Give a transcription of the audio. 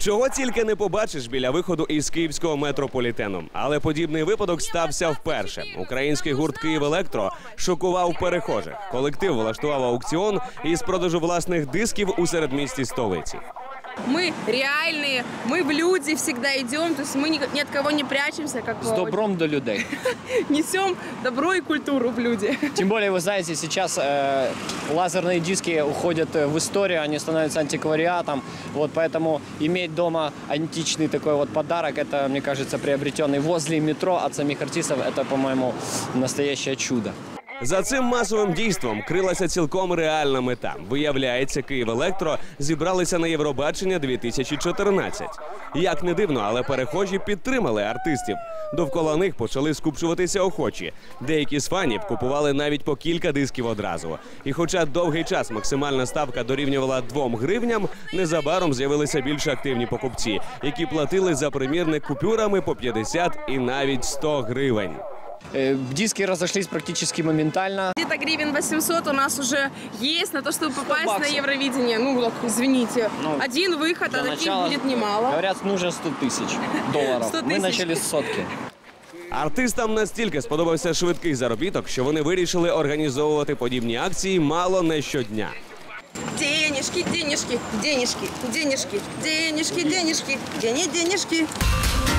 Чого тільки не побачиш біля виходу із київського метрополітену. Але подібний випадок стався вперше. Український гурт «Київелектро» шокував перехожих. Колектив влаштував аукціон із продажу власних дисків у середмісті столиці. Мы реальные, мы в люди всегда идем, то есть мы ни от кого не прячемся. Как С добром до людей. Несем добро и культуру в люди. Тем более, вы знаете, сейчас лазерные диски уходят в историю, они становятся антиквариатом. Вот, поэтому иметь дома античный такой вот подарок, это, мне кажется, приобретенный возле метро от самих артистов, это, по-моему, настоящее чудо. За цим масовим дійством крилася цілком реальна мета. Виявляється, «Київелектро» зібралися на Євробачення 2014. Як не дивно, але перехожі підтримали артистів. Довкола них почали скупчуватися охочі. Деякі з фанів купували навіть по кілька дисків одразу. І хоча довгий час максимальна ставка дорівнювала 2 гривням, незабаром з'явилися більш активні покупці, які платили за примірник купюрами по 50 і навіть 100 гривень. Диски разошлись практически моментально. Где-то гривен 800 у нас уже есть на то, чтобы попасть на Евровидение. Ну, вот, извините. Один выход, а таких будет немало. Говорят, нужно 100 тысяч долларов. 100 Мы тысяч. начали с сотки. Артистам настільки сподобався швидкий заробіток, що вони вирішили організовувати подібні акції мало не щодня. Денежки, денежки, денежки, денежки, денежки, денежки, денежки.